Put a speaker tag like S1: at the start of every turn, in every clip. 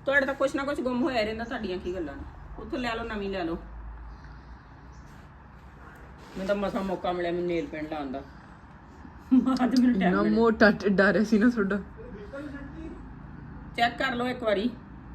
S1: ਤੁਹਾਡੇ ਤਾਂ ਕੁਛ ਨਾ ਕੁਛ ਗੁੰਮ ਹੋਇਆ ਰਹਿੰਦਾ, ਤੁਹਾਡੀਆਂ ਕੀ ਗੱਲਾਂ ਨੇ। ਉੱਥੋਂ ਲੈ ਲਓ, ਨਵੀਂ ਲੈ ਲਓ। ਮੈਨੂੰ ਤਾਂ ਮਸਾ ਮੌਕਾ ਮਿਲਿਆ ਮੈਨੂੰ ਨੇਲ ਪੇਂਟ ਲਾਉਣ ਦਾ। ਅੱਜ ਮੈਨੂੰ ਟਾਈਮ ਮਿਲਿਆ।
S2: ਮੋਟਾ ਢਿੱਡਾ ਰਿਹਾ ਸੀ ਨਾ ਤੁਹਾਡਾ।
S1: ਚੈੱਕ ਕਰ ਲਓ ਇੱਕ ਵਾਰੀ।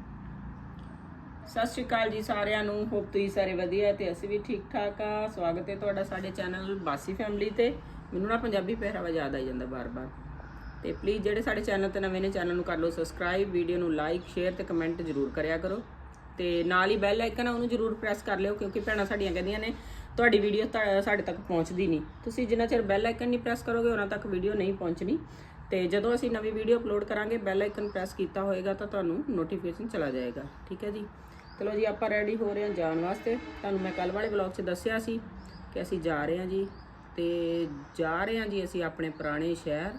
S1: ਸਤਿ ਸ਼੍ਰੀ ਅਕਾਲ ਜੀ ਸਾਰਿਆਂ ਨੂੰ। ਹੋਪ ਤੁਸੀਂ ਸਾਰੇ ਵਧੀਆ ਤੇ ਅਸੀਂ ਵੀ ਠੀਕ ਠਾਕ ਆ। ਸਵਾਗਤ ਹੈ ਤੁਹਾਡਾ ਸਾਡੇ ਚੈਨਲ ਬਾਸੀ ਫੈਮਿਲੀ ਤੇ। ਮੈਨੂੰ ਨਾ ਪੰਜਾਬੀ ਪਹਿਰਾਵਾ ਯਾਦ ਆਈ ਜਾਂਦਾ ਬਾਰ-ਬਾਰ। ਤੇ ਪਲੀਜ਼ ਜਿਹੜੇ ਸਾਡੇ ਚੈਨਲ ਤੇ ਨਵੇਂ ਨੇ, ਚੈਨਲ ਨੂੰ ਕਰ ਲਓ ਸਬਸਕ੍ਰਾਈਬ, ਵੀਡੀਓ ਨੂੰ ਲਾਈਕ, ਸ਼ੇਅਰ ਤੇ ਕਮੈਂਟ ਜ਼ਰੂਰ ਕਰਿਆ ਕਰੋ। ਤੇ ਨਾਲ ਹੀ ਬੈਲ ਆਈਕਨ ਆ ਉਹਨੂੰ ਜ਼ਰੂਰ ਪ੍ਰੈਸ ਕਰ ਲਿਓ, ਕਿਉਂਕਿ ਭੈਣਾਂ ਸਾਡੀਆਂ ਕਹਿੰਦੀਆਂ ਨੇ ਤੁਹਾਡੀ ਵੀਡੀਓ ਸਾਡੇ ਤੱਕ ਪਹੁੰਚਦੀ ਨਹੀਂ। ਤੁਸੀਂ ਜਿੰਨਾ ਚਿਰ ਬੈਲ ਆਈਕਨ ਨਹੀਂ ਪ੍ਰੈਸ ਕਰੋਗੇ ਉਹਨਾਂ ਤੱਕ ਵੀਡੀਓ ਨਹੀਂ ਪਹੁੰਚਣੀ। ਤੇ ਜਦੋਂ ਅਸੀਂ ਨਵੀਂ ਵੀਡੀਓ ਅਪਲੋਡ ਕਰਾਂਗੇ, ਬੈਲ ਆਈਕਨ ਪ੍ਰੈਸ ਕੀਤਾ ਹੋਏਗਾ ਤਾਂ ਤੁਹਾਨੂੰ ਨੋਟੀਫਿਕੇਸ਼ਨ ਚਲਾ ਜਾਏਗਾ। ਠੀਕ ਹੈ ਜੀ। ਚਲੋ ਜੀ, ਆਪਾਂ ਰੈਡੀ ਹੋ ਰਹੇ ਹਾਂ ਜਾਣ ਵਾਸਤੇ। ਤੁਹਾਨੂੰ ਮੈਂ ਕੱਲ ਵਾਲੇ ਵਲੌਗ 'ਚ ਦੱਸਿਆ ਸੀ ਕਿ ਅਸੀਂ ਜਾ ਰਹੇ ਹਾਂ ਜੀ। ਤੇ ਜਾ ਰਹੇ ਹਾਂ ਜੀ ਅਸੀਂ ਆਪਣੇ ਪੁਰਾਣੇ ਸ਼ਹਿਰ।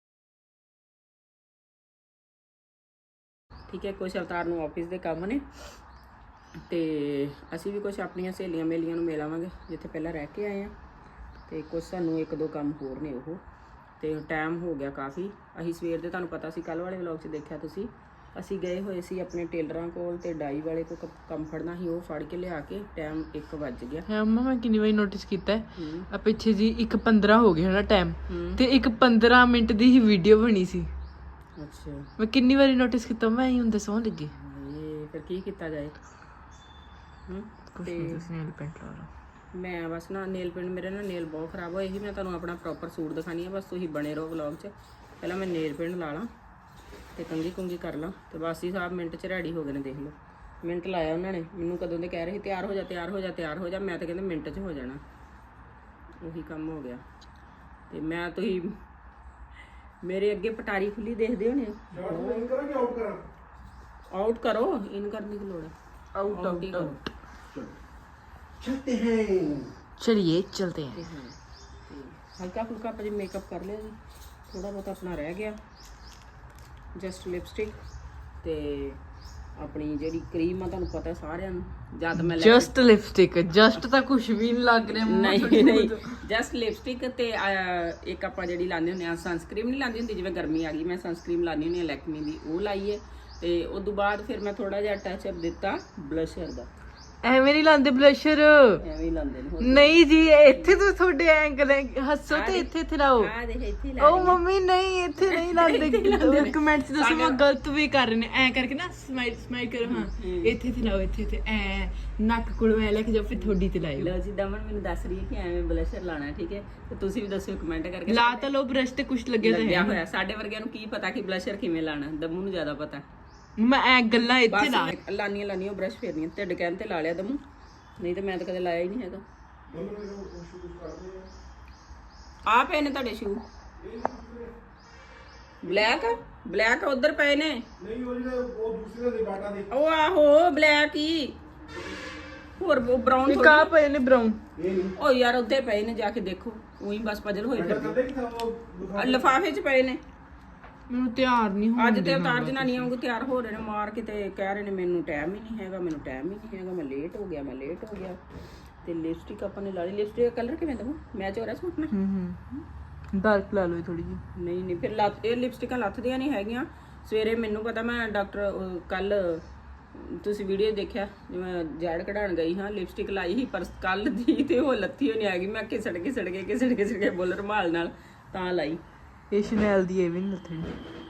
S1: ਠੀਕ ਹੈ, ਕੁਛ ਅਵਤਾਰ ਨੂੰ ਆਫਿਸ ਦੇ ਕੰਮ ਨੇ ਤੇ ਅਸੀਂ ਵੀ ਕੁਛ ਆਪਣੀਆਂ ਸਹੇਲੀਆਂ ਮੇਲੀਆਂ ਨੂੰ ਮਿਲ ਆਵਾਂਗੇ ਜਿੱਥੇ ਪਹਿਲਾਂ ਰਹਿ ਕੇ ਆਏ ਆ। ਤੇ ਕੁਛ ਸਾਨੂੰ ਇੱਕ ਦੋ ਕੰਮ ਹੋਰ ਨੇ ਉਹ। ਤੇ ਟਾਈਮ ਹੋ ਗਿਆ ਕਾਫੀ। ਅਸੀਂ ਸਵੇਰ ਦੇ, ਤੁਹਾਨੂੰ ਪਤਾ ਸੀ ਕੱਲ ਵਾਲੇ ਵਲੌਗ 'ਚ ਦੇਖਿਆ ਤੁਸੀਂ, ਅਸੀਂ ਗਏ ਹੋਏ ਸੀ ਆਪਣੇ ਟੇਲਰਾਂ ਕੋਲ ਤੇ ਡਾਈ ਵਾਲੇ ਕੋਲ ਕੰਮ ਫੜਨਾ ਸੀ। ਉਹ ਫੜ ਕੇ ਲਿਆ ਕੇ ਟਾਈਮ 1 ਵੱਜ ਗਿਆ।
S2: ਹਾਂ ਮੰਮਾ, ਮੈਂ ਕਿੰਨੀ ਵਾਰੀ ਨੋਟਿਸ ਕੀਤਾ ਆ ਪਿੱਛੇ ਜੀ 1:15 ਹੋ ਗਿਆ ਨਾ ਟਾਈਮ, ਤੇ 1:15 ਮਿੰਟ ਦੀ ਹੀ ਵੀਡੀਓ ਬਣੀ ਸੀ।
S1: ਅੱਛਾ,
S2: ਮੈਂ ਕਿੰਨੀ ਵਾਰੀ ਨੋਟਿਸ ਕੀਤਾ। ਮੈਂ ਹੀ ਹੁੰਦੇ ਸੌਂ ਲੱਗੀ।
S1: ਇਹ ਫਿਰ ਕੀ ਕੀਤਾ ਜਾਏ।
S2: ਕੁਛ ਨਹੀਂ, ਤੁਸੀਂ ਨੇਲ ਪੇਂਟ ਲਾ ਲਓ।
S1: ਮੈਂ ਬਸ ਨਾ ਨੇਲ ਪੇਂਟ, ਮੇਰੇ ਨਾ ਨੇਲ ਬਹੁਤ ਖਰਾਬ ਹੋਏ ਸੀ। ਮੈਂ ਤੁਹਾਨੂੰ ਆਪਣਾ ਪ੍ਰੋਪਰ ਸੂਟ ਦਿਖਾਣੀ ਆ, ਬਸ ਤੁਸੀਂ ਬਣੇ ਰਹੋ ਵਲੌਗ 'ਚ। ਪਹਿਲਾਂ ਮੈਂ ਨੇਲ ਪੇਂਟ ਲਾ ਲਾਂ ਤੇ ਕੰਘੀ ਕੁੰਗੀ ਕਰ ਲਾਂ ਤੇ ਬਸ ਹੀ ਸਾਹਿਬ ਮਿੰਟ 'ਚ ਰੈਡੀ ਹੋ ਗਏ ਨੇ। ਦੇਖ ਲਓ, ਮਿੰਟ ਲਾਇਆ ਉਹਨਾਂ ਨੇ। ਮੈਨੂੰ ਕਦੋਂ ਦੇ ਕਹਿ ਰਹੇ ਸੀ ਤਿਆਰ ਹੋ ਜਾ, ਤਿਆਰ ਹੋ ਜਾ, ਤਿਆਰ ਹੋ ਜਾ। ਮੈਂ ਤਾਂ ਕਹਿੰਦੇ ਮਿੰਟ 'ਚ ਹੋ ਜਾਣਾ। ਉਹੀ ਕੰਮ ਹੋ ਗਿਆ। ਤੇ ਮੈਂ, ਤੁਸੀਂ ਮੇਰੇ ਅੱਗੇ ਪਟਾਰੀ ਖੁੱਲੀ ਦੇਖਦੇ ਹੋਣੇ। ਆਊਟ ਕਰੋ, ਇਨ ਕਰਨੇ ਦੀ ਲੋੜ ਹੈ।
S2: आउट
S1: आउट ही करो।
S2: चलते हैं, चलिए चलते हैं।
S1: हल्का फुल्का आप मेकअप कर लिया जी, थोड़ा बहुत अपना रह गया। जस्ट लिपस्टिक ते अपनी ਜਿਹੜੀ ਕਰੀਮ ਆ ਤੁਹਾਨੂੰ ਪਤਾ ਸਾਰਿਆਂ ਨੂੰ। ਜਦ ਮੈਂ
S2: ਜਸਟ ਲਿਪਸਟਿਕ, ਜਸਟ ਤਾਂ ਕੁਝ ਵੀ ਨਹੀਂ ਲੱਗ ਰਿਹਾ।
S1: ਨਹੀਂ, ਜਸਟ ਲਿਪਸਟਿਕ ਤੇ ਇੱਕ ਆਪਾਂ ਜਿਹੜੀ ਲਾਉਂਦੇ ਹੁੰਦੇ ਆ ਸਨਸਕ੍ਰੀਮ ਨਹੀਂ ਲਾਉਂਦੀ ਹੁੰਦੀ, ਜਿਵੇਂ ਗਰਮੀ ਆ ਗਈ ਮੈਂ ਸਨਸਕ੍ਰੀਮ ਲਾਉਂਦੀ ਹੁੰਦੀ ਆ ਲੈਕਮੀ ਦੀ, ਉਹ ਲਾਈ ਹੈ। ਤੇ ਉਸ ਤੋਂ ਬਾਅਦ ਫਿਰ ਮੈਂ ਥੋੜਾ ਜਿਹਾ ਟੱਚ ਅਪ ਦਿੱਤਾ ਬਲਸ਼ਰ ਦਾ।
S2: ਐਵੇਂ ਨਹੀਂ ਲਾਉਂਦੇ ਬਲਸ਼ਰ,
S1: ਐਵੇਂ ਹੀ ਲਾਉਂਦੇ ਨੇ।
S2: ਨਹੀਂ ਜੀ, ਇੱਥੇ ਤੋਂ ਤੁਹਾਡੇ ਐਂਗਲ ਹੱਸੋ ਤੇ ਇੱਥੇ ਲਾਓ।
S1: ਆ ਦੇਖ ਇੱਥੇ ਲਾ।
S2: ਉਹ ਮੰਮੀ ਨਹੀਂ, ਇੱਥੇ ਨਹੀਂ ਲਾਉਂਦੇ। ਕਮੈਂਟਸ ਦੱਸੋ ਮੈਂ ਗਲਤ ਵੀ ਕਰ ਰਹੇ ਨੇ। ਐ ਕਰਕੇ ਨਾ ਸਮਾਈਲ ਕਰੋ। ਹਾਂ, ਇੱਥੇ ਲਾਓ, ਇੱਥੇ ਐ ਨੱਕ ਕੋਲੋਂ ਐ ਲੈ ਕੇ ਜਾਓ, ਫਿਰ ਥੋੜੀ ਤੇ ਲਾਇਓ।
S1: ਲਓ ਜੀ, ਦਮਨ ਮੈਨੂੰ ਦੱਸ ਰਹੀ ਹੈ ਕਿ ਐਵੇਂ ਬਲਸ਼ਰ ਲਾਣਾ। ਠੀਕ ਹੈ, ਤੇ ਤੁਸੀਂ ਵੀ ਦੱਸਿਓ ਕਮੈਂਟ ਕਰਕੇ।
S2: ਲਾ ਤਾਂ ਲਓ ਬ੍ਰਸ਼ ਤੇ, ਕੁਝ ਲੱਗਿਆ
S1: ਲੱਗਿਆ ਹੋਇਆ। ਸਾਡੇ ਵਰਗਿਆਂ ਨੂੰ ਕੀ ਪਤਾ ਕਿ ਬਲਸ਼ਰ ਕਿਵੇਂ ਲਾਣਾ, ਦਮੂ ਨੂੰ ਜ਼ਿਆਦਾ ਪਤਾ।
S2: ਮੈਂ ਐ ਗੱਲਾਂ ਇੱਥੇ ਲਾ
S1: ਲਾਨੀਆਂ ਬ੍ਰਸ਼ ਫੇਰਨੀਆਂ। ਢਿੱਡ ਕਹਿਣ ਤੇ ਲਾ ਲਿਆ ਦਮੂ, ਨਹੀਂ ਤਾਂ ਮੈਂ ਤਾਂ ਕਦੇ ਲਾਇਆ ਹੀ ਨਹੀਂ ਹੈਗਾ। ਆ ਪਏ ਨੇ ਤੁਹਾਡੇ ਸ਼ੂ ਬਲੈਕ ਉਧਰ ਪਏ ਨੇ। ਨਹੀਂ, ਉਹ ਜਿਹੜੇ ਉਹ ਦੂਸਰੇ ਦੇ ਬਾਟਾ ਦੇ, ਉਹ ਆਹੋ ਬਲੈਕ ਹੀ। ਹੋਰ ਉਹ ਬ੍ਰਾਊਨ
S2: ਇਹ ਕਾ ਪਏ ਨੇ ਬ੍ਰਾਊਨ।
S1: ਉਹ ਯਾਰ ਉੱਥੇ ਪਏ ਨੇ, ਜਾ ਕੇ ਦੇਖੋ। ਉਹੀ ਬਸ ਪਜਲ ਹੋਈ ਫਿਰਦੇ, ਲਿਫਾਫੇ 'ਚ ਪਏ ਨੇ।
S2: ਮੈਨੂੰ ਤਿਆਰ ਨਹੀਂ ਹੋਣਾ।
S1: ਅੱਜ ਤੇ ਅਵਤਾਰ ਜਨਾਨੀਆਂ ਵਾਂਗੂ ਤਿਆਰ ਹੋ ਰਹੇ ਨੇ ਮਾਰ ਕੇ, ਤੇ ਕਹਿ ਰਹੇ ਨੇ ਮੈਨੂੰ ਟਾਈਮ ਹੀ ਨਹੀਂ ਹੈਗਾ, ਮੈਨੂੰ ਟਾਈਮ ਹੀ ਨਹੀਂ ਹੈਗਾ, ਮੈਂ ਲੇਟ ਹੋ ਗਿਆ। ਤੇ ਲਿਪਸਟਿਕ ਆਪਾਂ ਨੇ ਲਾ ਲਈ। ਲਿਪਸਟਿਕ ਦਾ ਕਲਰ ਕਿਵੇਂ ਦਵਾਂ, ਮੈਚ ਹੋ ਰਿਹਾ ਸੂਟ ਨਾਲ।
S2: ਡਾਰਕ ਲਾ ਲਓ ਥੋੜੀ ਜਿਹੀ।
S1: ਨਹੀਂ ਫਿਰ ਇਹ ਲਿਪਸਟਿਕਾਂ ਲੱਥਦੀਆਂ ਨਹੀਂ ਹੈਗੀਆਂ। ਸਵੇਰੇ ਮੈਨੂੰ ਪਤਾ, ਮੈਂ ਡਾਕਟਰ ਕੱਲ ਤੁਸੀਂ ਵੀਡੀਓ ਦੇਖਿਆ ਜਿਵੇਂ ਜੜ ਕਢਾਉਣ ਗਈ ਹਾਂ, ਲਿਪਸਟਿਕ ਲਾਈ ਸੀ ਪਰ ਕੱਲ ਦੀ ਤੇ ਉਹ ਲੱਥੀ ਹੋਈ ਨਹੀਂ ਹੈਗੀ। ਮੈਂ ਘਿਸੜ ਕੇ ਬੋਲ ਰੁਮਾਲ ਨਾਲ ਤਾਂ ਲਾਈ।
S2: ਇਹ ਸ਼ਨੈਲ ਦੀ ਇਹ ਵੀ ਨਹੀਂ ਲੱਥਣੀ।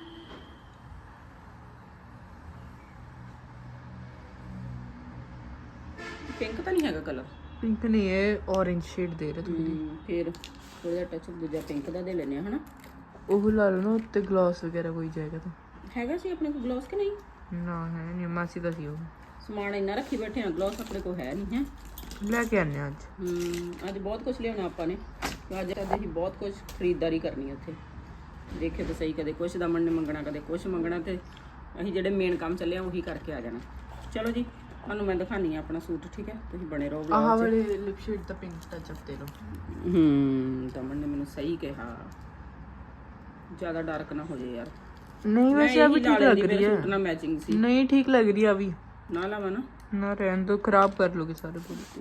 S1: ਪਿੰਕ ਤਾਂ ਨਹੀਂ ਹੈਗਾ ਕਲਰ।
S2: ਪਿੰਕ ਨਹੀਂ, ਇਹ orange ਸ਼ੇਡ ਦੇ ਰਿਹਾ ਥੋੜੀ।
S1: ਫਿਰ ਥੋੜਾ ਜਿਹਾ ਟੱਚ ਦੂਜਾ ਪਿੰਕ ਦਾ ਦੇ ਲੈਨੇ ਆ, ਹਨਾ।
S2: ਉਹ ਲਾ ਲਓ ਨਾ ਉੱਤੇ, ਗਲਾਸ ਵਗੈਰਾ ਕੋਈ ਜਾਏਗਾ ਤਾਂ।
S1: ਹੈਗਾ ਸੀ ਆਪਣੇ ਕੋਲ ਗਲੋਸ ਕਿ ਨਹੀਂ?
S2: ਨਾ ਹੈ ਨਹੀਂ, ਮਾਸੀ ਦਾ ਸੀ ਉਹ।
S1: ਸਮਾਨ ਇੰਨਾ ਰੱਖੀ ਬੈਠੇ ਆ, ਗਲੋਸ ਆਪਣੇ ਕੋਲ ਹੈ ਨਹੀਂ ਹੈ।
S2: ਲੈ ਕੇ ਆਨੇ ਅੱਜ।
S1: ਅੱਜ ਬਹੁਤ ਕੁਝ ਲਿਆਉਣਾ ਆਪਾਂ ਨੇ। ਅੱਜ ਅਸੀਂ ਬਹੁਤ ਕੁਝ ਖਰੀਦਦਾਰੀ ਕਰਨੀ ਉੱਥੇ। ਦੇਖੇ ਤਾਂ ਸਹੀ, ਕਦੇ ਕੁਛ ਦਮਨ ਨੇ ਮੰਗਣਾ, ਕਦੇ ਕੁਛ ਮੰਗਣਾ, ਤੇ ਅਸੀਂ ਜਿਹੜੇ ਮੇਨ ਕੰਮ ਚੱਲੇ ਆ ਉਹੀ ਕਰਕੇ ਆ ਜਾਣਾ। ਚਲੋ ਜੀ, ਤੁਹਾਨੂੰ ਮੈਂ ਦਿਖਾਨੀ ਆ ਆਪਣਾ ਸੂਟ। ਠੀਕ ਹੈ, ਤੁਸੀਂ ਬਣੇ ਰਹੋ।
S2: ਆਹ ਵਾਲੇ ਲਿਪ ਸ਼ੇਡ ਦਾ ਪਿੰਕ ਟੱਚ ਅਪ ਦੇ ਲਓ।
S1: ਦਮਨ ਨੇ ਮੈਨੂੰ ਸਹੀ ਕਿਹਾ, ਜ਼ਿਆਦਾ ਡਾਰਕ ਨਾ ਹੋ ਜਾਏ ਯਾਰ।
S2: ਨਹੀਂ ਵੈਸੇ ਆ ਵੀ ਠੀਕ ਲੱਗ ਰਹੀ ਹੈ।
S1: ਸੂਟ ਨਾਲ ਮੈਚਿੰਗ ਸੀ।
S2: ਨਹੀਂ ਠੀਕ ਲੱਗ ਰਹੀ ਆ ਵੀ।
S1: ਨਾ ਲਾਵਾ ਨਾ
S2: ਰਹਿਣ ਦੋ, ਖਰਾਬ ਕਰ ਲੋਗੇ ਸਾਰੇ ਬੋਲ।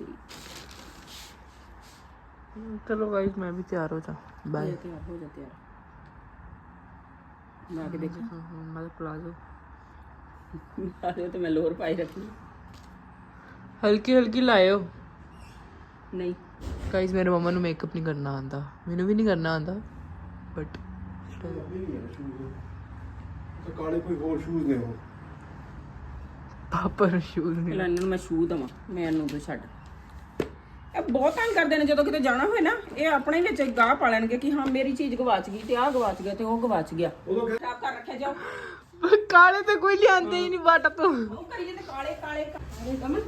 S2: ਚਲੋ ਗਾਇਸ, ਮੈਂ ਵੀ ਤਿਆਰ ਹੋ ਜਾ। ਬਾਏ।
S1: ਤਿਆਰ ਹੋ ਜਾ, ਤਿਆਰ ਲਾ ਕੇ ਦੇਖੋ।
S2: ਮੈਂ ਪਲਾਜ਼ੋ
S1: ਆਰੇ ਤੇ ਮੈਂ ਲੋਰ ਪਾਈ ਰੱਖੀ
S2: ਹਲਕੀ ਹਲਕੀ ਲਾਇਓ
S1: ਨਹੀਂ
S2: ਗਾਇਸ ਮੇਰੇ ਮਮਾ ਨੂੰ ਮੇਕਅਪ ਨਹੀਂ ਕਰਨਾ ਆਂਦਾ ਮੈਨੂੰ ਵੀ ਨਹੀਂ ਕਰਨਾ ਆਂਦਾ ਬਟ
S3: ਕਾਲੇ ਕੋਈ ਹੋਰ ਸ਼ੂਜ਼ ਨੇ ਉਹ
S2: ਪਾਪਾ ਨੂੰ ਸ਼ੂਜ਼ ਨਹੀਂ
S1: ਇਹਨਾਂ ਨੂੰ ਮੈਂ ਸ਼ੂ ਦਵਾਂ ਮੈਨੂੰ ਤੂੰ ਛੱਡ ਇਹ ਬਹੁਤ ਤੰਗ ਕਰਦੇ ਨੇ ਜਦੋਂ ਕਿਤੇ ਜਾਣਾ ਹੋਏ ਨਾ ਇਹ ਆਪਣੇ ਵਿੱਚ ਗਾਹ ਪਾ ਲੈਣਗੇ ਕਿ ਹਾਂ ਮੇਰੀ ਚੀਜ਼ ਗਵਾਚ ਗਈ ਤੇ ਆਹ ਗਵਾਚ ਗਿਆ ਤੇ ਉਹ ਗਵਾਚ ਗਿਆ ਖਰਾਬ ਕਰ ਰੱਖਿਆ ਜਾਓ
S2: ਕਾਲੇ ਤੇ ਕੋਈ ਲਿਆਂਦੇ ਹੀ ਨਹੀਂ ਬਾਟਾ ਤੋਂ
S1: ਉਹ ਕਰੀਏ ਤੇ ਕਾਲੇ ਕਾਲੇ ਕਾਲੇ ਕਮਨ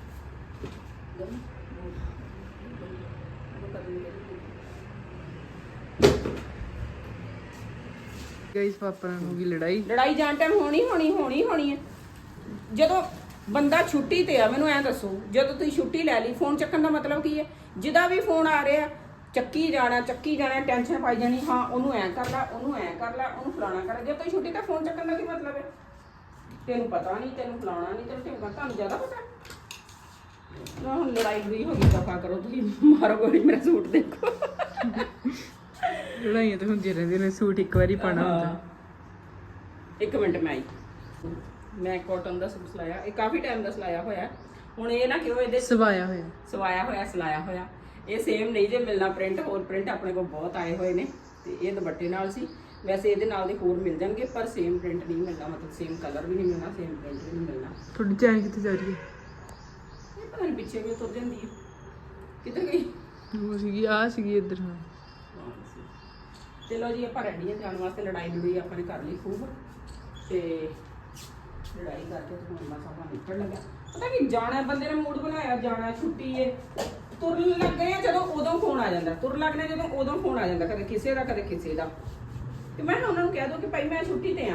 S2: ਗਾਇਸ ਪਾਪਾ ਨਾਲ ਹੋ ਗਈ ਲੜਾਈ
S1: ਲੜਾਈ ਜਾਣ ਟਾਈਮ ਹੋਣੀ ਹੈ ਜਦੋਂ ਬੰਦਾ ਛੁੱਟੀ ਤੇ ਆ ਮੈਨੂੰ ਐ ਦੱਸੋ ਜਦੋਂ ਤੁਸੀਂ ਛੁੱਟੀ ਲੈ ਲਈ ਫੋਨ ਚੱਕਣ ਦਾ ਮਤਲਬ ਕੀ ਹੈ ਜਿਹਦਾ ਵੀ ਫੋਨ ਆ ਰਿਹਾ ਚੱਕੀ ਜਾਣਾ ਟੈਨਸ਼ਨ ਪਾਈ ਜਾਣੀ ਹਾਂ ਉਹਨੂੰ ਐ ਕਰ ਲੈ ਉਹਨੂੰ ਫਲਾਣਾ ਕਰ ਜੇ ਤੁਸੀਂ ਛੁੱਟੀ ਤੇ ਫੋਨ ਚੱਕਣ ਦਾ ਕੀ ਮਤਲਬ ਹੈ ਤੈਨੂੰ ਪਤਾ ਨਹੀਂ ਤੈਨੂੰ ਫਲਾਣਾ ਨਹੀਂ ਤੈਨੂੰ ਤੁਹਾਨੂੰ ਜ਼ਿਆਦਾ ਪਤਾ ਨਾ ਹੁਣ ਲੜਾਈ ਵੀ ਹੋ ਗਈ ਦਫਾ ਕਰੋ ਤੁਸੀਂ ਮਾਰੋ ਗੋਲੀ ਮੇਰਾ ਸੂਟ ਦੇਖੋ
S2: ਲੜਾਈਆਂ ਤਾਂ ਹੁੰਦੀਆਂ ਰਹਿੰਦੀਆਂ ਨੇ ਸੂਟ ਇੱਕ ਵਾਰੀ ਪਾਣਾ ਹੁੰਦਾ
S1: ਇੱਕ ਮਿੰਟ ਮੈਂ ਕਾਟਨ ਦਾ ਸੂਟ ਸਿਲਾਇਆ ਇਹ ਕਾਫੀ ਟਾਈਮ ਦਾ ਸਿਲਾਇਆ ਹੋਇਆ ਹੁਣ ਇਹ ਨਾ ਕਿਉਂ ਇਹਦੇ
S2: ਸਵਾਇਆ ਹੋਇਆ
S1: ਸਿਲਾਇਆ ਹੋਇਆ ਇਹ ਸੇਮ ਨਹੀਂ ਜੇ ਮਿਲਣਾ ਪ੍ਰਿੰਟ ਹੋਰ ਪ੍ਰਿੰਟ ਆਪਣੇ ਕੋਲ ਬਹੁਤ ਆਏ ਹੋਏ ਨੇ ਤੇ ਇਹ ਦੁਪੱਟੇ ਨਾਲ ਸੀ ਵੈਸੇ ਇਹਦੇ ਨਾਲ ਦੇ ਹੋਰ ਮਿਲ ਜਾਣਗੇ ਪਰ ਸੇਮ ਪ੍ਰਿੰਟ ਨਹੀਂ ਮਿਲਦਾ ਮਤਲਬ ਸੇਮ ਕਲਰ ਵੀ ਨਹੀਂ ਮਿਲਣਾ ਸੇਮ ਪ੍ਰਿੰਟ ਵੀ ਨਹੀਂ ਮਿਲਣਾ
S2: ਤੁਹਾਡੀ ਚੈਨ ਕਿੱਥੇ ਜਾ ਰਹੀ ਹੈ
S1: ਇਹ ਪਤਾ ਨਹੀਂ ਪਿੱਛੇ ਵੀ ਤੁਰ ਜਾਂਦੀ ਹੈ ਕਿੱਧਰ ਗਈ
S2: ਉਹ ਸੀਗੀ ਇੱਧਰ ਹਾਂ
S1: ਚਲੋ ਜੀ ਆਪਾਂ ਰੈਡੀ ਹਾਂ ਜਾਣ ਵਾਸਤੇ ਲੜਾਈ ਆਪਾਂ ਨੇ ਕਰ ਲਈ ਖੂਬ ਤੇ ਲੜਾਈ ਕਰਕੇ ਹੁਣ ਬਸ ਆਪਾਂ ਨਿਕਲ ਲੱਗਾ ਪਤਾ ਕੀ ਜਾਣਾ ਬੰਦੇ ਨੇ ਮੂਡ ਬਣਾਇਆ ਜਾਣਾ ਛੁੱਟੀ ਏ ਤੁਰਨ ਲੱਗੇ ਆ ਜਦੋਂ ਉਦੋਂ ਫੋਨ ਆ ਜਾਂਦਾ ਜਦੋਂ ਉਦੋਂ ਫੋਨ ਆ ਜਾਂਦਾ ਕਦੇ ਕਿਸੇ ਦਾ ਤੇ ਮੈਂ ਉਹਨਾਂ ਨੂੰ ਕਹਿ ਦੋ ਕਿ ਭਾਈ ਮੈਂ ਛੁੱਟੀ ਤੇ ਆ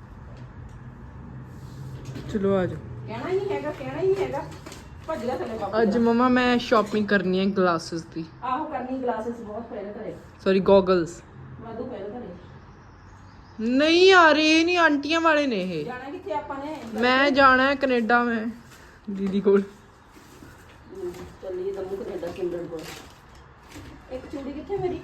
S2: ਚਲੋ ਆ ਜਾਓ
S1: ਕਹਿਣਾ ਹੀ ਨਹੀਂ ਹੈਗਾ ਭੱਜਦਾ ਥੱਲੇ ਬਾਪੂ
S2: ਅੱਜ ਮਮਾ ਮੈਂ ਸ਼ਾਪਿੰਗ ਕਰਨੀ ਹੈ ਗਲਾਸਸ ਦੀ
S1: ਆਹੋ ਕਰਨੀ ਗਲਾਸਸ ਬਹੁਤ ਪਏ ਨੇ ਘਰੇ
S2: ਸੌਰੀ ਗੋਗਲਸ
S1: ਵਾਧੂ ਪਏ ਨੇ ਘਰੇ
S2: ਨਹੀਂ ਯਾਰ ਇਹ ਨਹੀਂ ਆਂਟੀਆਂ ਵਾਲੇ ਨੇ ਇਹ
S1: ਜਾਣਾ ਕਿੱਥੇ ਆਪਾਂ ਨੇ
S2: ਮੈਂ ਜਾਣਾ ਹੈ ਕੈਨੇਡਾ ਮੈਂ ਦੀਦੀ ਕੋਲ
S1: ਚੱਲੀਏ ਦਮੂ ਕੈਨੇਡਾ ਕਿੰਡਰ ਕੋਲ ਇੱਕ ਚੂੜੀ ਕਿੱਥੇ ਮੇਰੀ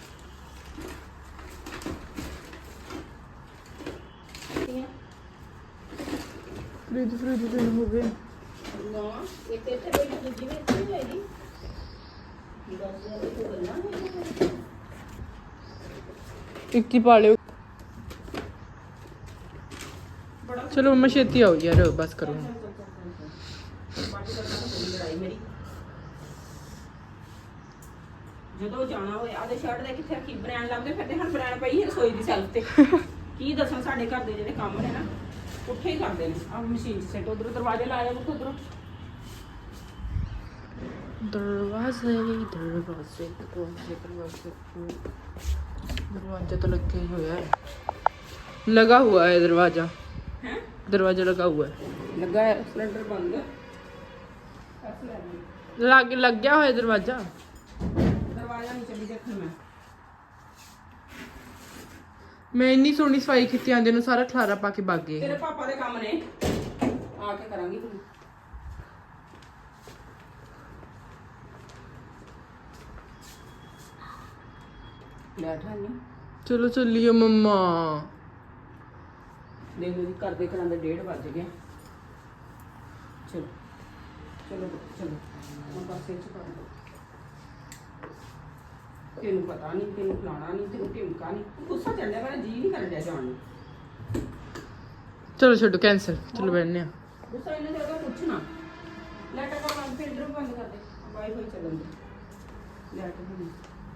S2: ਫ੍ਰਿਜ ਤੇ ਹੋ ਗਏ
S1: ਨਾ ਇੱਕ ਇੱਥੇ ਬੈਠੀ ਦੂਜੀ ਵੀ ਇੱਥੇ ਹੀ ਹੈਗੀ 10,000 ਦੀ ਕੋਈ ਗੱਲਾਂ ਨਹੀਂ
S2: ਇੱਕ ਹੀ ਪਾ ਲਿਓ ਚਲੋ ਮਮਾ ਛੇਤੀ ਆਓ ਯਾਰ ਬਸ ਕਰੋ
S1: ਜਦੋਂ ਜਾਣਾ ਹੋਏ ਆਦੇ ਸ਼ਰਟ ਦੇ ਕਿੱਥੇ ਰੱਖੀ ਬ੍ਰਾਂਡ ਲੱਭਦੇ ਫਿਰਦੇ ਹਨ ਬ੍ਰਾਂਡ ਪਈ ਹੈ ਰਸੋਈ ਦੀ ਸੈਲਫ ਤੇ ਕੀ ਦੱਸਾਂ ਸਾਡੇ ਘਰ ਦੇ ਜਿਹੜੇ ਕੰਮ ਨੇ ਨਾ ਉੱਥੇ ਹੀ ਕਰਦੇ ਨੇ ਆ ਮਸ਼ੀਨ ਸੈਟ ਉਧਰੋਂ ਦਰਵਾਜ਼ੇ ਲਾਇਆ ਬੁੱਕ ਉਧਰੋਂ
S2: दरवाजा तो लग ही हुआ है लगा हुआ है दरवाजा
S1: है
S2: दरवाजा लगा हुआ है
S1: लगा है सिलेंडर बंद
S2: लग गया है दरवाजा
S1: दरवाजा नहीं चली देखने में
S2: मैं इन्नी सोहनी सफाई की आंदे नु सारा खलारा पा के भाग गए
S1: तेरे पापा दे काम ने आके करांगी तू बैठा नहीं
S2: चलो चलिए मम्मा
S1: देख लो जी घर दे करांदे 1:30 बज गए चलो चलो चलो हम पासे च कर दो तेनू पता नहीं तेनू फलाना नहीं तेनू टिमका नहीं गुस्सा चढ़ने वाला जी नहीं कर दिया जान नूं
S2: चलो छोड़ो कैंसिल चलो बैठने
S1: गुस्सा इन्हें ज्यादा कुछ ना लैटर का बंद फिल्टर बंद कर दे वाईफाई चलन दे लैटर बंद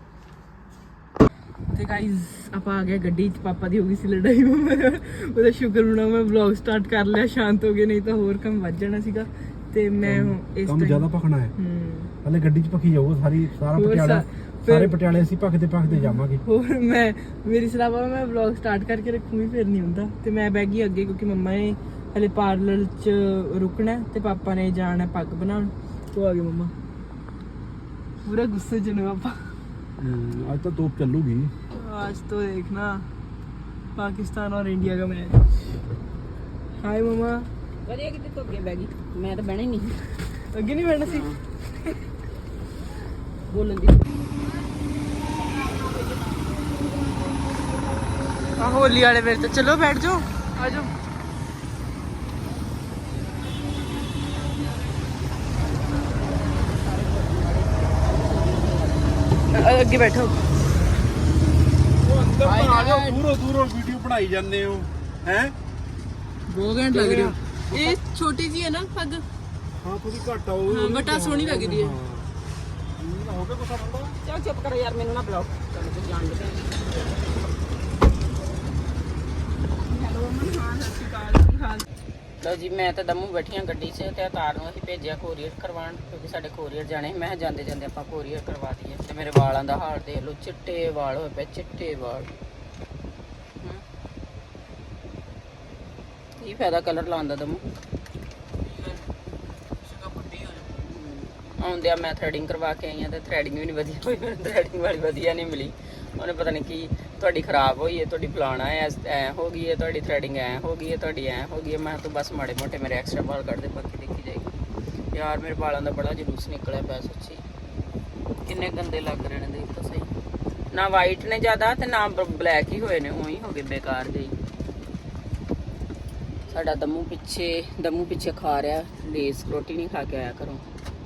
S2: ਤੇ ਗਾਇਜ਼ ਆਪਾਂ ਆ ਗਏ ਗੱਡੀ 'ਚ ਪਾਪਾ ਦੀ ਹੋ ਗਈ ਸੀ ਲੜਾਈ ਉਹਦਾ ਸ਼ੁਕਰ ਹੋਣਾ ਮੈਂ ਵਲੌਗ ਸਟਾਰਟ ਕਰ ਲਿਆ ਸ਼ਾਂਤ ਹੋ ਗਏ ਨਹੀਂ ਤਾਂ ਹੋਰ ਕੰਮ ਵੱਜ ਜਾਣਾ ਸੀਗਾ ਤੇ ਮੈਂ ਇਸ
S3: ਕੰਮ ਜ਼ਿਆਦਾ ਭਖਣਾ ਹੈ ਹਲੇ ਗੱਡੀ 'ਚ ਭਖੀ ਜਾਊਗਾ ਸਾਰੇ ਪਟਿਆਲੇ ਅਸੀਂ ਭਖਦੇ ਜਾਵਾਂਗੇ
S2: ਹੋਰ ਮੇਰੀ ਸਲਾਹ ਮੈਂ ਵਲੌਗ ਸਟਾਰਟ ਕਰਕੇ ਰੱਖੂੰਗੀ ਫਿਰ ਨਹੀਂ ਹੁੰਦਾ ਤੇ ਮੈਂ ਬਹਿ ਗਈ ਅੱਗੇ ਕਿਉਂਕਿ ਮੰਮਾ ਨੇ ਹਲੇ ਪਾਰਲਰ 'ਚ ਰੁਕਣਾ ਤੇ ਪਾਪਾ ਨੇ ਜਾਣਾ ਪੱਗ ਬਣਾਉਣ ਤੋਂ ਆ ਗਏ ਮੰਮਾ ਪੂਰਾ ਗੁੱਸੇ 'ਚ ਨੇ ਪਾਪਾ
S3: आज तो तोप चलूगी
S2: आज तो देखना पाकिस्तान और इंडिया का मैच हाय मम्मा
S1: ਵਧੀਆ ਕਿਤੇ ਤੋਂ ਅੱਗੇ ਬਹਿ ਗਈ ਮੈਂ ਤਾਂ ਬਹਿਣਾ ਹੀ ਨਹੀਂ
S2: ਅੱਗੇ ਨਹੀਂ ਬੈਠਣਾ ਸੀ
S1: ਬੋਲਣ ਦੀ
S2: ਆ ਹੋਲੀ ਵਾਲੇ ਮੇਰੇ ਤੇ ਚਲੋ ਬੈਠ ਜਾਓ ਆ ਜਾਓ ਅੱਗੇ ਬੈਠੋ
S3: ਉਹ ਅੰਦਰ ਤਾਂ ਆ ਜਾਓ, ਦੂਰੋਂ ਦੂਰੋਂ ਵੀਡੀਓ ਬਣਾਈ ਜਾਂਦੇ ਹੋ ਹੈ।
S2: 2 ਘੰਟੇ ਲੱਗ ਰਹੇ ਹੋ। ਇਹ ਛੋਟੀ ਜੀ ਹੈ ਨਾ ਪੱਗ।
S3: ਹਾਂ ਥੋੜੀ ਘੱਟ ਆਓ।
S2: ਹਾਂ ਬਟ ਆ ਸੋਹਣੀ ਲੱਗਦੀ ਹੈ।
S3: ਹੋ ਗਿਆ ਕੁਛ ਬੰਦਾ।
S1: ਚੱਲ ਚੁੱਪ ਕਰੋ ਯਾਰ, ਮੈਨੂੰ ਨਾ ਬੁਲਾਓ, ਤੁਹਾਨੂੰ ਕੁਝ ਜਾਣ ਦੇ। ਹੈਲੋ ਅਮਨ, ਹਾਂ ਸਤਿ ਸ਼੍ਰੀ ਅਕਾਲ, ਕੀ ਹਾਲ? ਲਓ ਜੀ, ਮੈਂ ਤਾਂ ਦਮੂ ਬੈਠੀਆਂ ਗੱਡੀ 'ਚ ਤੇ ਅਤਾਰ ਨੂੰ ਅਸੀਂ ਭੇਜਿਆ ਕੋਰੀਅਰ ਕਰਵਾਉਣ, ਕਿਉਂਕਿ ਸਾਡੇ ਕੋਰੀਅਰ ਜਾਣੇ। ਮੈਂ ਕਿਹਾ ਜਾਂਦੇ ਜਾਂਦੇ ਆਪਾਂ ਕੋਰੀਅਰ ਕਰਵਾ ਦਈਏ। ਤੇ ਮੇਰੇ ਵਾਲਾਂ ਦਾ ਹਾਲ ਦੇਖ ਲਓ, ਚਿੱਟੇ ਵਾਲ ਹੋਏ ਪਏ, ਚਿੱਟੇ ਵਾਲ। ਕੀ ਫਾਇਦਾ ਕਲਰ ਲਾਉਣ ਦਾ ਦਮੂ? ਆਉਂਦੇ ਆ ਮੈਂ ਥਰੈਡਿੰਗ ਕਰਵਾ ਕੇ ਆਈ ਆ ਤੇ ਥਰੈਡਿੰਗ ਵੀ ਨਹੀਂ ਵਧੀਆ ਹੋਈ, ਥਰੈਡਿੰਗ ਵਾਲੀ ਵਧੀਆ ਨਹੀਂ ਮਿਲੀ। ਉਹਨੇ ਪਤਾ ਨਹੀਂ ਕੀ ਤੁਹਾਡੀ ਖਰਾਬ ਹੋਈ ਹੈ, ਤੁਹਾਡੀ ਫਲਾਣਾ ਐ ਹੋ ਗਈ ਹੈ, ਤੁਹਾਡੀ ਥਰੈਡਿੰਗ ਐ ਹੋ ਗਈ ਹੈ, ਤੁਹਾਡੀ ਐ ਹੋ ਗਈ ਹੈ। ਮੈਂ ਤਾਂ ਬਸ ਮਾੜੇ ਮੋਟੇ ਮੇਰੇ ਐਕਸਟਰਾ ਵਾਲ ਕੱਢ ਦੇ, ਬਾਕੀ ਦੇਖੀ ਜਾਏਗੀ। ਯਾਰ ਮੇਰੇ ਵਾਲਾਂ ਦਾ ਬੜਾ ਜਲੂਸ ਨਿਕਲਿਆ ਪਿਆ ਸੱਚੀ, ਕਿੰਨੇ ਗੰਦੇ ਲੱਗ ਰਹੇ ਨੇ, ਦੇਖ ਤਾਂ ਸਹੀ। ਨਾ ਵਾਈਟ ਨੇ ਜ਼ਿਆਦਾ ਤੇ ਨਾ ਬਲੈਕ ਹੀ ਹੋਏ ਨੇ, ਉਹੀ ਹੋ ਗਏ ਬੇਕਾਰ ਜਿਹੇ। ਸਾਡਾ ਦਮੂ ਪਿੱਛੇ ਖਾ ਰਿਹਾ ਲੇਸ, ਰੋਟੀ ਨਹੀਂ ਖਾ ਕੇ ਆਇਆ ਕਰੋ।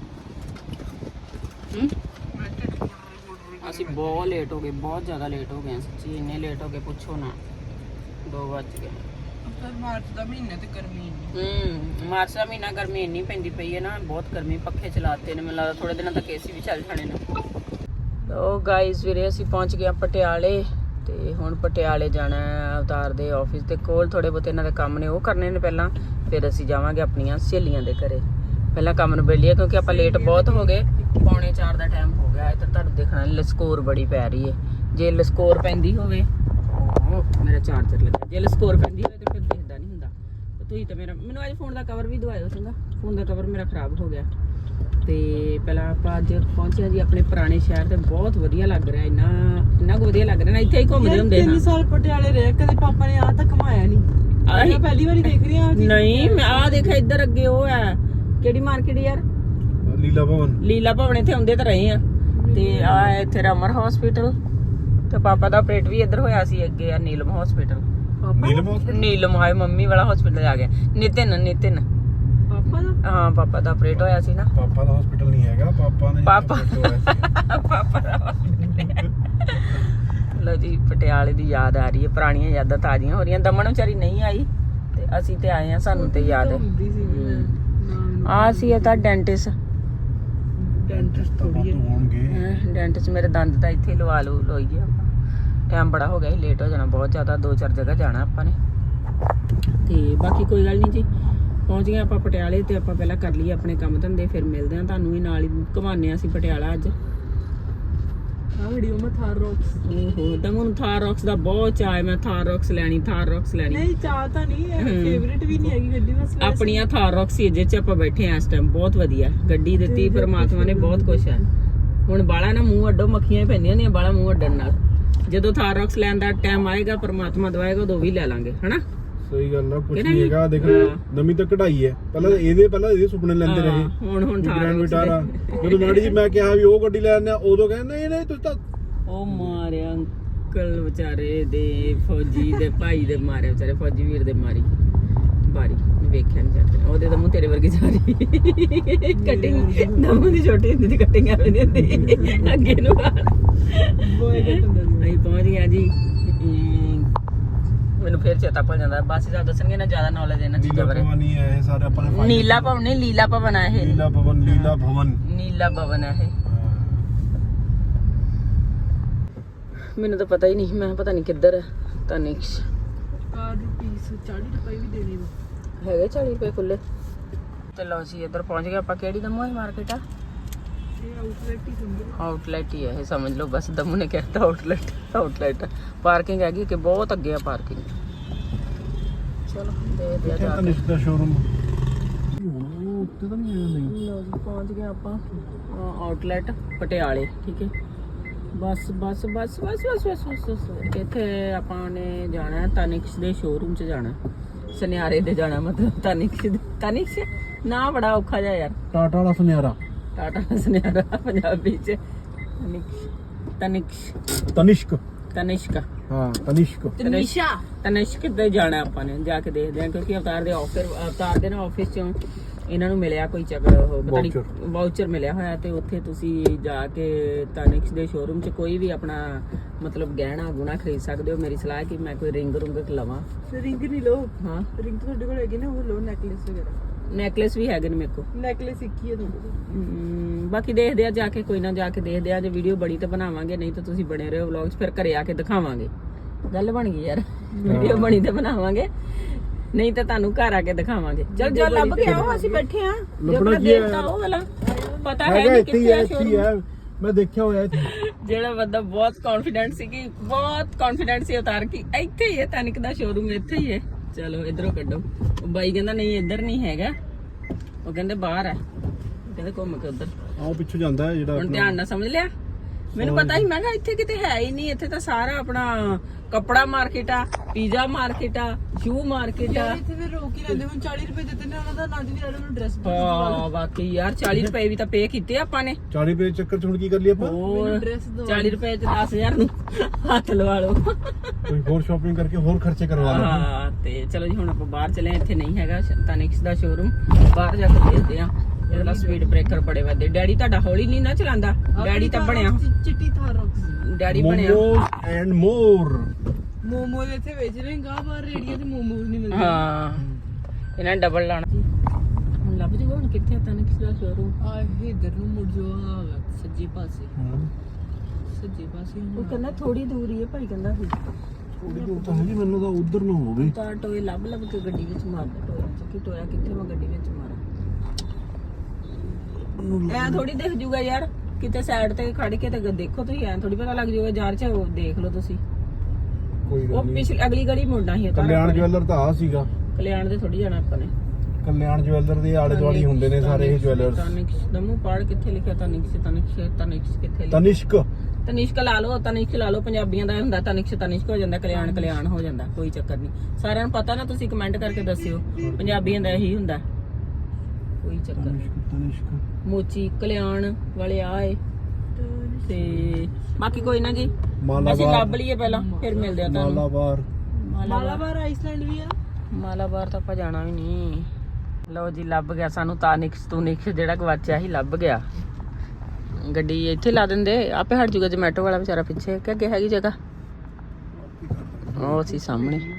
S1: ਅਸੀਂ ਬਹੁਤ ਲੇਟ ਹੋ ਗਏ, ਬਹੁਤ ਜ਼ਿਆਦਾ ਲੇਟ ਹੋ ਗਏ ਸੱਚੀ, ਇੰਨੇ ਲੇਟ ਹੋ ਗਏ ਪੁੱਛੋ ਨਾ। 2 ਵੱਜ ਗਏ।
S2: ਮਾਰਚ ਦਾ ਮਹੀਨਾ ਤੇ ਗਰਮੀ
S1: ਮਾਰਚ ਦਾ ਮਹੀਨਾ ਗਰਮੀ ਇੰਨੀ ਪੈਂਦੀ ਪਈ ਹੈ ਨਾ, ਬਹੁਤ ਗਰਮੀ। ਪੱਖੇ ਚਲਾਤੇ ਨੇ, ਮੈਨੂੰ ਲੱਗਦਾ ਥੋੜੇ ਦਿਨਾਂ ਤੱਕ ਏਸੀ ਵੀ ਚੱਲ ਜਾਣੇ ਨੇ। ਉਹ ਗਾਇਸ ਵੀਰੇ ਅਸੀਂ ਪਹੁੰਚ ਗਏ ਪਟਿਆਲੇ, ਤੇ ਹੁਣ ਪਟਿਆਲੇ ਜਾਣਾ ਹੈ ਅਵਤਾਰ ਦੇ ਆਫਿਸ ਦੇ ਕੋਲ। ਥੋੜੇ ਬਹੁਤੇ ਇਹਨਾਂ ਦੇ ਕੰਮ ਨੇ, ਉਹ ਕਰਨੇ ਨੇ ਪਹਿਲਾਂ, ਫਿਰ ਅਸੀਂ ਜਾਵਾਂਗੇ ਆਪਣੀਆਂ ਸਹੇਲੀਆਂ ਦੇ ਘਰੇ। ਪਹਿਲਾਂ ਕੰਮ ਨੂੰ ਬੇਲੀਏ ਕਿਉਂਕਿ ਆਪਾਂ ਲੇਟ ਬਹੁਤ ਹੋ ਗਏ, 3:45 ਦਾ ਟਾਈਮ ਹੋ ਗਿਆ। ਇੱਧਰ ਤੁਹਾਨੂੰ ਦੇਖਣਾ ਲਸਕੋਰ ਬੜੀ ਪੈ ਰਹੀ ਹੈ। ਜੇ ਲਸਕੋਰ ਪੈਂਦੀ ਹੋਵੇ, ਮੇਰਾ ਚਾਰਜਰ ਲੱਗਾ, ਜੇ ਲਸਕੋਰ ਪੈਂਦੀ ਹੋਵੇ ਤਾਂ ਫਿਰ ਦਿਖਦਾ ਨਹੀਂ ਹੁੰਦਾ। ਤੁਸੀਂ ਤਾਂ ਮੈਨੂੰ ਅੱਜ ਫੋਨ ਦਾ ਕਵਰ ਵੀ ਦਵਾਇਓ ਚੰਗਾ, ਫੋਨ ਦਾ ਕਵਰ ਮੇਰਾ ਖਰਾਬ ਹੋ ਗਿਆ। ਤੇ ਪਹਿਲਾਂ ਆਪਾਂ ਅੱਜ ਪਹੁੰਚੇ ਜੀ ਆਪਣੇ ਪੁਰਾਣੇ ਸ਼ਹਿਰ ਤੇ, ਬਹੁਤ ਵਧੀਆ ਲੱਗ ਰਿਹਾ, ਇੰਨਾ ਕੁ ਵਧੀਆ ਲੱਗ ਰਿਹਾ ਨਾ, ਇੱਥੇ ਹੀ ਘੁੰਮਦੇ ਹੁੰਦੇ ਹਾਂ।
S2: 3 ਸਾਲ ਪਟਿਆਲੇ ਰਹੇ, ਕਦੇ ਪਾਪਾ ਨੇ ਆ ਤੱਕ ਘਮਾਇਆ ਨਹੀਂ। ਮੈਂ ਪਹਿਲੀ ਵਾਰੀ ਦੇਖ ਰਹੀ ਹਾਂ।
S1: ਨਹੀਂ ਮੈਂ ਆ ਦੇਖਿਆ ਇੱਧਰ ਅੱਗੇ ਉਹ ਹੈ, ਕਿਹੜੀ ਮਾਰਕੀਟ ਯਾਰ? ਲੀਲਾ ਭਵਨ ਇੱਥੇ ਆਉਂਦੇ ਤਾਂ ਰਹੇ ਆ। ਤੇ ਆ ਇੱਥੇ ਰਮਰ ਹਸਪੀਟਲ, ਤੇ ਪਾਪਾ ਦਾ ਆਪਰੇਟ ਵੀ ਇੱਧਰ ਹੋਇਆ ਸੀ। ਅੱਗੇ ਆ ਨੀਲਮ ਹਸਪੀਟਲ। ਨੀਲਮ ਹਾਏ ਮੰਮੀ ਵਾਲਾ ਹਸਪੀਟਲ ਆ ਗਿਆ। ਨਿਤਿਨ
S2: ਪਾਪਾ ਦਾ?
S1: ਹਾਂ ਪਾਪਾ ਦਾ ਆਪਰੇਟ ਹੋਇਆ ਸੀ ਨਾ।
S3: ਪਾਪਾ ਦਾ ਹਸਪੀਟਲ ਨਹੀਂ ਹੈਗਾ, ਪਾਪਾ ਨੇ
S1: ਪਾਪਾ ਦਾ ਹਸਪੀਟਲ। ਲੋ ਜੀ ਪਟਿਆਲੇ ਦੀ ਯਾਦ ਆ ਰਹੀ ਹੈ, ਪੁਰਾਣੀਆਂ ਯਾਦਾਂ ਤਾਜ਼ੀਆਂ ਹੋ ਰਹੀਆਂ। ਦਮਨ ਵਿਚਾਰੀ ਨਹੀਂ ਆਈ ਤੇ ਅਸੀਂ ਤੇ ਆਏ ਆ, ਸਾਨੂੰ ਤੇ ਯਾਦ ਹੈ। ਆ ਸੀ ਇਹ ਤਾਂ ਡੈਂਟਿਸਟ ਡੈਂਟਿਸਟ ਮੇਰੇ ਦੰਦ ਤਾਂ ਇੱਥੇ ਲਵਾ ਲੋਈਏ ਆਪਾਂ। ਟਾਈਮ ਬੜਾ ਹੋ ਗਿਆ ਸੀ, ਲੇਟ ਹੋ ਜਾਣਾ ਬਹੁਤ ਜ਼ਿਆਦਾ, 2-4 ਜਗ੍ਹਾ ਜਾਣਾ ਆਪਾਂ ਨੇ। ਤੇ ਬਾਕੀ ਕੋਈ ਗੱਲ ਨਹੀਂ ਜੀ, ਪਹੁੰਚ ਗਏ ਆਪਾਂ ਪਟਿਆਲੇ। ਤੇ ਆਪਾਂ ਪਹਿਲਾਂ ਕਰ ਲਈਏ ਆਪਣੇ ਕੰਮ ਧੰਦੇ, ਫਿਰ ਮਿਲਦੇ ਹਾਂ ਤੁਹਾਨੂੰ ਵੀ, ਨਾਲ ਹੀ ਘੁਮਾਉਂਦੇ ਹਾਂ ਅਸੀਂ ਪਟਿਆਲਾ ਅੱਜ।
S2: ਆ ਵੀਡੀਓ ਮੈਂ ਥਾਰ ਰੌਕਸ।
S1: ਓਹੋ ਦਮੂ ਨੂੰ ਥਾਰ ਰੌਕਸ ਦਾ ਬਹੁਤ ਚਾਅ ਹੈ, ਮੈਂ ਥਾਰ ਰੌਕਸ ਲੈਣੀ।
S2: ਨਹੀਂ ਚਾਹ ਤਾਂ ਨਹੀਂ, ਫੇਵਰਿਟ ਵੀ ਨਹੀਂ ਹੈਗੀ ਗੱਡੀ, ਬਸ
S1: ਆਪਣੀਆਂ ਥਾਰ ਰੌਕਸ ਹੀ ਜਿਹ 'ਚ ਆਪਾਂ ਬੈਠੇ ਆ ਇਸ ਟਾਈਮ। ਬਹੁਤ ਵਧੀਆ ਗੱਡੀ ਦਿੱਤੀ ਪਰਮਾਤਮਾ ਨੇ, ਬਹੁਤ ਕੁਛ ਹੈ। ਹੁਣ ਬਾਲਾ ਨਾ ਮੂੰਹ ਅੱਡੋ, ਮੱਖੀਆਂ ਹੀ ਪੈਂਦੀਆਂ ਨੇ ਬਾਲਾ ਮੂੰਹ ਅੱਡਣ ਨਾਲ। ਜਦੋਂ ਥਾਰ ਰੌਕਸ ਲੈਣ ਦਾ ਟਾਈਮ ਆਏਗਾ, ਪਰਮਾਤਮਾ ਦਵਾਏਗਾ, ਉਦੋਂ ਵੀ ਲੈ ਲਾਂਗੇ, ਹਨਾ?
S3: ਸਹੀ ਗੱਲ ਆ, ਕੁਝ ਨਹੀਂ ਹੈਗਾ। ਦੇਖ ਨਵੀਂ ਤਾਂ ਕਢਾਈ ਹੈ, ਪਹਿਲਾਂ ਇਹਦੇ ਸੁਪਨੇ ਲੈਂਦੇ ਰਹੇ।
S1: ਹੁਣ
S3: ਥਾਰ ਵਿਟਾਰਾ ਜਦੋਂ ਮਾੜੀ ਜੀ ਮੈਂ ਕਿਹਾ ਵੀ ਉਹ ਗੱਡੀ ਲੈ ਆਉਂਦੇ ਆ, ਉਦੋਂ ਕਹਿੰਦੇ ਨਹੀਂ ਤੁਸੀਂ ਤਾਂ
S1: ਉਹ ਮਾਰਿਆ ਅੰਕਲ ਵਿਚਾਰੇ ਦੇ, ਫੌਜੀ ਦੇ ਭਾਈ ਦੇ ਮਾਰਿਆ, ਵਿਚਾਰੇ ਫੌਜੀ ਵੀਰ ਦੇ ਮਾਰੀ ਬਾਰੀ। ਵੇਖਿਆ ਨਹੀਂ ਜਾਂਦੇ ਉਹਦੇ ਤਾਂ ਮੂੰਹ ਤੇਰੇ ਵਰਗੀ ਜਾ ਰਹੀ ਕਟਿੰਗ। ਦਮੂ ਦੀ ਛੋਟੀ ਹੁੰਦੀ ਦੀ ਕਟਿੰਗ ਐਵੇਂ ਦੀ ਹੁੰਦੀ ਅੱਗੇ ਨੂੰ। ਅਸੀਂ ਪਹੁੰਚ ਗਏ ਜੀ। ਮੈਨੂੰ ਫੇਰ ਚੇਤਾ ਭੁੱਲ ਜਾਂਦਾ, ਬਸ ਇਹ ਦੱਸਣਗੇ ਨਾ, ਜ਼ਿਆਦਾ ਨੌਲੇਜ ਇਹਨਾਂ ਚੀਜ਼ਾਂ ਬਾਰੇ। ਨੀਲਾ ਭਵਨ ਨਹੀਂ, ਲੀਲਾ ਭਵਨ ਹੈ ਇਹ। ਨੀਲਾ ਭਵਨ ਹੈ ਇਹ। ਮੈਨੂੰ ਤਾਂ ਪਤਾ ਹੀ ਨਹੀਂ, ਮੈਂ ਪਤਾ ਨਹੀਂ ਕਿੱਧਰ ਹੈ। ਤਨਿਕਸ਼
S2: ਕਾਰ ਰੁਪੀਸ 40 ਰੁਪਏ ਵੀ ਦੇਣੇ ਵਾ,
S1: ਹੈਗੇ 40 ਰੁਪਏ ਖੁੱਲੇ। ਤੇ ਲਓ ਜੀ ਇੱਧਰ ਪਹੁੰਚ ਗਏ ਆਪਾਂ। ਕਿਹੜੀ ਦਮੂ ਹੈ ਮਾਰਕੀਟ ਆ?
S2: ਇਹ ਆਊਟਲੈਟ ਹੀ ਸਮਝੋ।
S1: ਆਊਟਲੈਟ ਹੀ ਹੈ ਇਹ, ਸਮਝ ਲਓ ਬਸ। ਦਮੂ ਨੇ ਕਹਿਤਾ ਆਊਟਲੈਟ। ਪਾਰਕਿੰਗ ਹੈਗੀ ਕਿ ਬਹੁਤ ਅੱਗੇ ਆ ਪਾਰਕਿੰਗ। ਚਲੋ ਦੇਖਦੇ ਆ ਜਾ ਕੇ।
S3: ਤਨਿਸ਼ ਦਾ ਸ਼ੋਰੂਮ ਉੱਤੇ ਤਾਂ ਨਹੀਂ ਆਇਆ। ਨਹੀਂ
S1: ਲਓ ਜੀ ਪਹੁੰਚ ਗਏ ਆਪਾਂ ਆਊਟਲੈਟ ਪਟਿਆਲੇ, ਠੀਕ ਹੈ। ਬਸ ਇੱਥੇ ਆਪਾਂ ਨੇ ਜਾਣਾ ਤਨਿਕਸ਼ ਦੇ ਸ਼ੋਰੂਮ 'ਚ ਜਾਣਾ, ਸੁਨਿਆਰੇ ਦੇ ਜਾਣਾ, ਮਤਲਬ ਤਨਿਕਸ਼ ਨਾ ਬੜਾ ਔਖਾ ਜਿਹਾ ਯਾਰ।
S3: ਟਾਟਾ ਵਾਲਾ ਸੁਨਿਆਰਾ,
S1: ਟਾਟਾ ਦਾ ਸੁਨਿਆਰਾ ਪੰਜਾਬੀ 'ਚ ਤਨਿਸ਼ਕ
S3: ਹਾਂ
S1: ਤਨਿਸ਼ਕ ਤੇ ਜਾਣਾ ਆਪਾਂ ਨੇ, ਜਾ ਕੇ ਦੇਖਦੇ ਹਾਂ। ਕਿਉਂਕਿ ਅਵਤਾਰ ਦੇ ਆਫਿਸ ਚੋਂ ਇਹਨਾਂ ਨੂੰ ਮਿਲਿਆ ਕੋਈ ਚੱਕਰ ਉਹ ਪਤਾ ਨਹੀਂ
S3: Voucher।
S1: ਵਾਊਚਰ ਮਿਲਿਆ ਹੋਇਆ ਤੇ ਉੱਥੇ ਤੁਸੀਂ ਜਾ ਕੇ ਤਾਨਿਕਸ ਦੇ ਸ਼ੋਰੂਮ 'ਚ ਕੋਈ ਵੀ ਆਪਣਾ ਮਤਲਬ ਗਹਿਣਾ ਗੁਣਾ ਖਰੀਦ ਸਕਦੇ ਹੋ। ਮੇਰੀ ਸਲਾਹ ਹੈ ਕਿ ਮੈਂ ਕੋਈ ਰਿੰਗ ਰੁੰਗ ਲਵਾਂ।
S2: ਰਿੰਗ ਨਹੀਂ ਲਓ,
S1: ਹਾਂ
S2: ਰਿੰਗ ਤੁਹਾਡੇ ਕੋਲ ਹੈਗੀ ਨਾ, ਉਹ ਲਓ। ਨੈਕਲੇਸ ਵਗੈਰਾ,
S1: ਨੈਕਲੇਸ ਵੀ ਹੈਗੇ ਨੇ ਮੇਰੇ ਕੋਲ।
S2: ਨੈਕਲੇਸ ਇੱਕ ਹੀ ਹੈ ਤੁਹਾਡੇ ਕੋਲ।
S1: ਬਾਕੀ ਦੇਖਦੇ ਆ ਜਾ ਕੇ, ਕੋਈ ਨਾ ਜਾ ਕੇ ਦੇਖਦੇ ਆ। ਜੇ ਵੀਡੀਓ ਬਣੀ ਤਾਂ ਬਣਾਵਾਂਗੇ, ਨਹੀਂ ਤਾਂ ਤੁਸੀਂ ਬਣੇ ਰਹੋ ਵਲੌਗਸ, ਫਿਰ ਘਰੇ ਆ ਕੇ ਦਿਖਾਵਾਂਗੇ। ਗੱਲ ਬਣ ਗਈ ਯਾਰ, ਵੀਡੀਓ ਬਣੀ ਤਾਂ ਬਣਾਵਾਂਗੇ, ਨਹੀਂ ਤਾਂ ਤੁਹਾਨੂੰ ਘਰ ਆ ਕੇ ਦਿਖਾਵਾਂਗੇ। ਚਲ ਜੋ ਲੱਭ ਕੇ ਆਓ, ਅਸੀਂ ਬੈਠੇ ਆ।
S3: ਲੱਭਣਾ ਕੀ ਹੈ?
S1: ਦੇਖਤਾ ਉਹ ਵਾਲਾ ਪਤਾ ਹੈ
S3: ਹੈਗਾ
S1: ਨਹੀਂ
S3: ਇੱਥੇ ਹੀ
S1: ਕਿੱਥੇ
S3: ਹੈ,
S1: ਆ
S3: ਇੱਥੇ ਹੀ
S1: showroom।
S3: ਹੈ, ਮੈਂ ਦੇਖਿਆ ਹੋਇਆ ਇੱਥੇ।
S1: ਜਿਹੜਾ ਬੰਦਾ ਬਹੁਤ ਕੌਨਫੀਡੈਂਟ ਸੀ ਕਿ ਬਹੁਤ ਕੌਨਫੀਡੈਂਟ ਸੀ ਉਤਾਰ ਕੇ ਇੱਥੇ ਹੀ ਹੈ ਤਾਨਿਕ ਦਾ ਸ਼ੋਰੂਮ, ਇੱਥੇ ਹੀ ਹੈ। ਚਲੋ ਇਧਰੋਂ ਕੱਢੋ। ਉਹ ਬਾਈ ਕਹਿੰਦਾ ਨਹੀਂ ਇੱਧਰ ਨਹੀਂ ਹੈਗਾ, ਉਹ ਕਹਿੰਦੇ ਬਾਹਰ ਹੈ, ਕਹਿੰਦੇ ਘੁੰਮ ਕੇ ਉਧਰ।
S3: ਆਹ ਪਿੱਛੋਂ ਜਾਂਦਾ ਹੈ ਜਿਹੜਾ
S1: ਹੁਣ ਧਿਆਨ ਨਾਲ ਸਮਝ ਲਿਆ। ਮੈਨੂੰ ਪਤਾ ਹੀ, ਮੈਂ ਕਿਹਾ ਇੱਥੇ ਕਿਤੇ ਹੈ ਹੀ ਨਹੀਂ, ਇੱਥੇ ਤਾਂ ਸਾਰਾ ਆਪਣਾ ਕੱਪੜਾ ਮਾਰਕੀਟ ਆ, ਪੀਜ਼ਾ ਮਾਰਕੀਟ ਆ, ਸ਼ੂ ਮਾਰਕੀਟ ਆ।
S2: ਇੱਥੇ ਫਿਰ ਰੋਕ ਹੀ ਲੈਂਦੇ। ਹੁਣ 40 ਰੁਪਏ ਦਿੱਤੇ ਨੇ ਉਹਨਾਂ ਦਾ, ਨਾ ਜੀ ਮੈਨੂੰ ਡਰੈਸ
S1: ਹਾਂ ਬਾਕੀ ਯਾਰ 40 ਰੁਪਏ ਵੀ ਤਾਂ ਪੇ ਕੀਤੇ ਆਪਾਂ ਨੇ।
S3: 40 ਰੁਪਏ ਦੇ ਚੱਕਰ ਚ ਹੁਣ ਕੀ ਕਰ ਲਈ ਆਪਾਂ?
S1: ਹੋਰ
S2: ਡਰੈਸ ਦੋ
S1: 40 ਰੁਪਏ ਚ 10,000 ਨੂੰ ਹੱਥ ਲਵਾ ਲਓ।
S3: ਕੋਈ ਹੋਰ ਸ਼ਾਪਿੰਗ ਕਰਕੇ ਹੋਰ ਖਰਚੇ ਕਰਵਾ ਲਓ।
S1: ਹਾਂ ਤੇ ਚਲੋ ਜੀ ਹੁਣ ਆਪਾਂ ਬਾਹਰ ਚਲੇ। ਇੱਥੇ ਨਹੀਂ ਹੈਗਾ ਤਾਨਿਕਸ ਦਾ ਸ਼ੋਰੂਮ, ਬਾਹਰ ਜਾ ਕੇ ਦੇਖਦੇ ਆ। ਇਹਦਾ ਸਪੀਡ ਬ੍ਰੇਕਰ ਬੜੇ ਵੱਡੇ। ਡੈਡੀ ਤੁਹਾਡਾ ਹੌਲੀ ਨਹੀਂ ਨਾ ਚਲਾਉਂਦਾ, ਡੈਡੀ ਤਾਂ ਬਣਿਆ,
S2: ਚਿੱਟੀ ਥਾਰੋਕਸ
S1: ਡੈਡੀ ਬਣਿਆ।
S3: Momos and more.
S2: ਮੋਮੋਜ਼ ਇੱਥੇ ਵੇਚ ਰਹੇ ਗਾ, ਬਾਹਰ ਰੇੜੀਆਂ ਤੇ ਮੋਮੋਜ਼ ਨਹੀਂ ਮਿਲਦੇ।
S1: ਹਾਂ ਇਹਨਾਂ ਨੇ ਡਬਲ ਲਾਣਾ। ਹੁਣ ਲੱਭ ਜੂਗਾ ਹੁਣ ਕਿੱਥੇ ਆ ਤਾਨਿਕਸ ਦਾ ਸ਼ੋਰੂਮ।
S2: ਆ ਇਧਰ ਨੂੰ ਮੁੜ ਜੋ, ਆ ਸੱਜੇ ਪਾਸੇ, ਸੱਜੇ ਪਾਸੇ।
S1: ਉਹ ਕਹਿੰਦਾ ਥੋੜੀ ਦੂਰ ਹੀ ਹੈ ਭਾਈ, ਕਹਿੰਦਾ ਸੀ
S3: ਥੋੜੀ ਦੂਰ ਤਾਂ ਹੈਗੀ, ਮੈਨੂੰ ਤਾਂ ਉਧਰ ਨੂੰ ਹੋਵੇ।
S1: ਤਾਂ ਟੋਏ ਲੱਭ ਲੱਭ ਕੇ ਗੱਡੀ ਵਿੱਚ ਮਾਰਦਾ। ਟੋਇਆ ਚ ਕੀ ਟੋਇਆ ਕਿੱਥੇ, ਮੈਂ ਗੱਡੀ ਵਿੱਚ ਮਾਰਾਂ। ਐ ਥੋੜੀ ਦਿਖ ਜੂਗਾ ਯਾਰ, ਕਿਤੇ ਸਾਈਡ ਤੇ ਖੜ ਕੇ ਤੇ ਦੇਖੋ ਤੁਸੀਂ, ਐ ਥੋੜੀ ਪਤਾ ਲੱਗ ਜੂਗਾ ਯਾਰ। ਚ ਉਹ ਦੇਖ ਲਓ ਤੁਸੀਂ,
S3: ਕੋਈ
S1: ਉਹ
S3: ਗੱਲ ਨਹੀਂ।
S1: ਪਿਛਲੀ ਅਗਲੀ ਗਲੀ ਮੁੜਨਾ ਸੀ।
S3: ਕਲਿਆਣ ਜਵੈਲਰ ਤਾਂ ਆ ਸੀਗਾ।
S1: ਕਲਿਆਣ ਦੇ ਥੋੜੀ ਜਾਣਾ ਆਪਾਂ ਨੇ।
S3: ਕਲਿਆਣ ਜਵੈਲਰ ਦੇ ਆਲੇ ਦੁਆਲੇ ਹੁੰਦੇ ਨੇ ਸਾਰੇ ਇਹ ਜਵੈਲਰਸ।
S1: ਤਾਨਿਕਸ ਦਮੂ ਪਾੜ ਕਿੱਥੇ ਲਿਖਿਆ? ਤਾਨਿਕਸ ਕਿੱਥੇ ਲਿਖਿਆ?
S3: ਤਨਿਸ਼ਕ
S1: ਤਨਿਸ਼ਕ ਲਾ ਲਓ, ਤਨਿਸ਼ਕ ਲਾ ਲਓ। ਪੰਜਾਬੀਆਂ ਦਾ ਹੁੰਦਾ ਤਨਿਸ਼ਕ ਹੋ ਜਾਂਦਾ, ਕਲਿਆਣ ਹੋ ਜਾਂਦਾ, ਕੋਈ ਚੱਕਰ ਨਹੀਂ। ਸਾਰਿਆਂ ਨੂੰ ਪਤਾ ਨਾ, ਤੁਸੀਂ ਕਮੈਂਟ ਕਰਕੇ ਦੱਸਿਓ। ਪੰਜਾਬੀਆਂ ਦਾ ਇਹੀ ਹੁੰਦਾ, ਕੋਈ ਚੱਕਰ ਨਹੀਂ।
S3: ਤਨਿਸ਼ਕ
S1: ਮੋਚੀ ਕਲਿਆਣ ਵਾਲੇ ਆਏ ਤੇ ਬਾਕੀ ਕੋਈ ਨਾ ਜੀ, ਅਸੀਂ
S3: ਮਾਲਾਬਾਰ
S1: ਲੱਭ ਲਈਏ ਪਹਿਲਾਂ, ਫਿਰ ਮਿਲਦੇ ਆ ਤੁਹਾਨੂੰ।
S3: ਮਾਲਾਬਾਰ
S2: ਮਾਲਾਬਾਰ ਆਈਸਲੈਂਡ ਵੀ ਆ।
S1: ਮਾਲਾਬਾਰ ਤਾਂ ਆਪਾਂ ਜਾਣਾ ਵੀ ਨਹੀਂ। ਲਓ ਜੀ ਲੱਭ ਗਿਆ ਸਾਨੂੰ ਤਾਨਿਕਸ ਜਿਹੜਾ ਗਵਾਚਿਆ ਸੀ, ਲੱਭ ਗਿਆ। ਗੱਡੀ ਇੱਥੇ ਲਾ ਦਿੰਦੇ, ਆਪੇ ਹਟ ਜੂਗਾ। ਜਮੈਟੋ ਵਾਲਾ ਵਿਚਾਰਾ ਪਿੱਛੇ ਕਿ ਅੱਗੇ ਹੈਗੀ ਜਗ੍ਹਾ, ਉਹ ਸੀ ਸਾਹਮਣੇ।